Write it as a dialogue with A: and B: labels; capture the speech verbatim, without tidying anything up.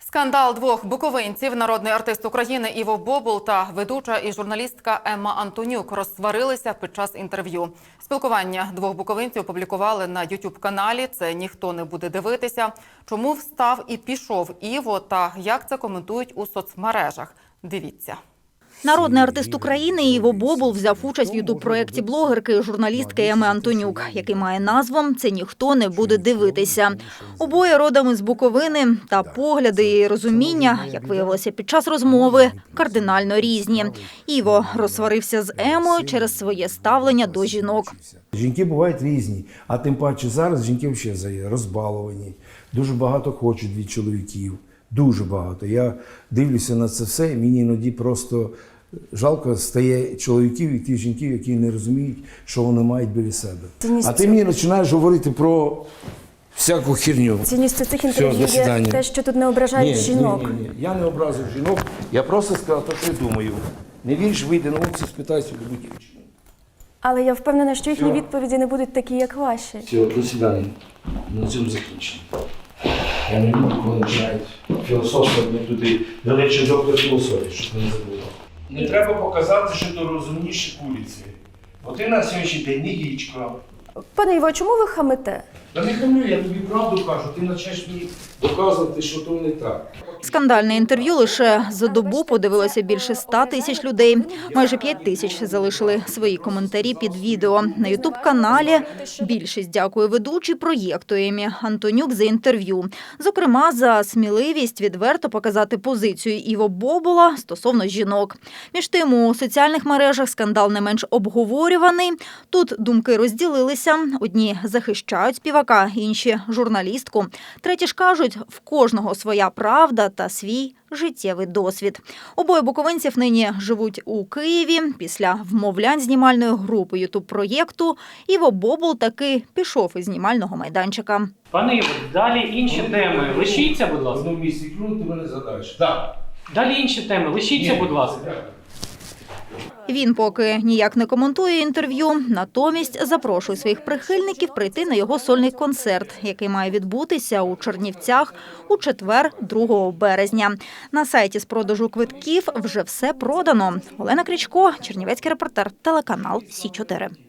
A: Скандал двох буковинців, народний артист України Іво Бобул та ведуча і журналістка Емма Антонюк розсварилися під час інтерв'ю. Спілкування двох буковинців опублікували на ютуб-каналі «Це ніхто не буде дивитися». Чому встав і пішов Іво та як це коментують у соцмережах? Дивіться.
B: Народний артист України Іво Бобул взяв участь в ютуб-проєкті блогерки і журналістки Еми Антонюк, який має назву «Це ніхто не буде дивитися». Обоє родом із Буковини, та погляди і розуміння, як виявилося під час розмови, кардинально різні. Іво розсварився з Емою через своє ставлення до жінок.
C: Жінки бувають різні, а тим паче зараз жінки взагалі розбаловані, дуже багато хочуть від чоловіків. Дуже багато. Я дивлюся на це все, і мені іноді просто жалко стає чоловіків і тих жінків, які не розуміють, що вони мають біля себе.
D: Цінність
C: а ти мені починаєш говорити про всяку херню.
D: Цінністю цих інтерв'ю є те, що тут не ображають
C: ні,
D: жінок.
C: Ні, ні, ні. Я не образив жінок, я просто сказав те, що я думаю. Не віриш, вийди на вулицю, спитайся у любу дівчину.
D: Але я впевнена, що їхні
C: Все.
D: відповіді не будуть такі, як ваші.
C: Все, до свидання. На цьому закінчимо. Я не люблю, коли починають філософство мені туди далече доктор філософії, щоб не забула. Не треба показати, що ти розумніші куриці. Бо ти на сьогоднішній день не яєчко.
D: Пане Іво, чому ви хамите?
C: Та не хамлю, я тобі правду кажу, ти почнеш мені доказувати, що то не так.
B: Скандальне інтерв'ю лише за добу подивилося більше ста тисяч людей. Майже п'ять тисяч залишили свої коментарі під відео. На ютуб-каналі більшість дякує ведучій проєкту Емі Антонюк за інтерв'ю. Зокрема, за сміливість відверто показати позицію Іво Бобула стосовно жінок. Між тим, у соціальних мережах скандал не менш обговорюваний. Тут думки розділилися. Одні захищають співака, інші – журналістку. Треті ж кажуть, в кожного своя правда та свій життєвий досвід. Обоє буковинців нині живуть у Києві. Після вмовлянь знімальної групи ютуб-проєкту Іво Бобул таки пішов із знімального майданчика.
E: Пане Іво, далі інші теми. Лишіться, будь
C: В
E: ласка.
C: одному місці клюнути мене задаєш. Так.
E: Далі інші теми. Лишіться, будь ласка.
B: Він поки ніяк не коментує інтерв'ю, натомість запрошує своїх прихильників прийти на його сольний концерт, який має відбутися у Чернівцях у четвер, другого березня. На сайті з продажу квитків вже все продано. Олена Крічко, чернівецький репортер, телеканал Сі чотири.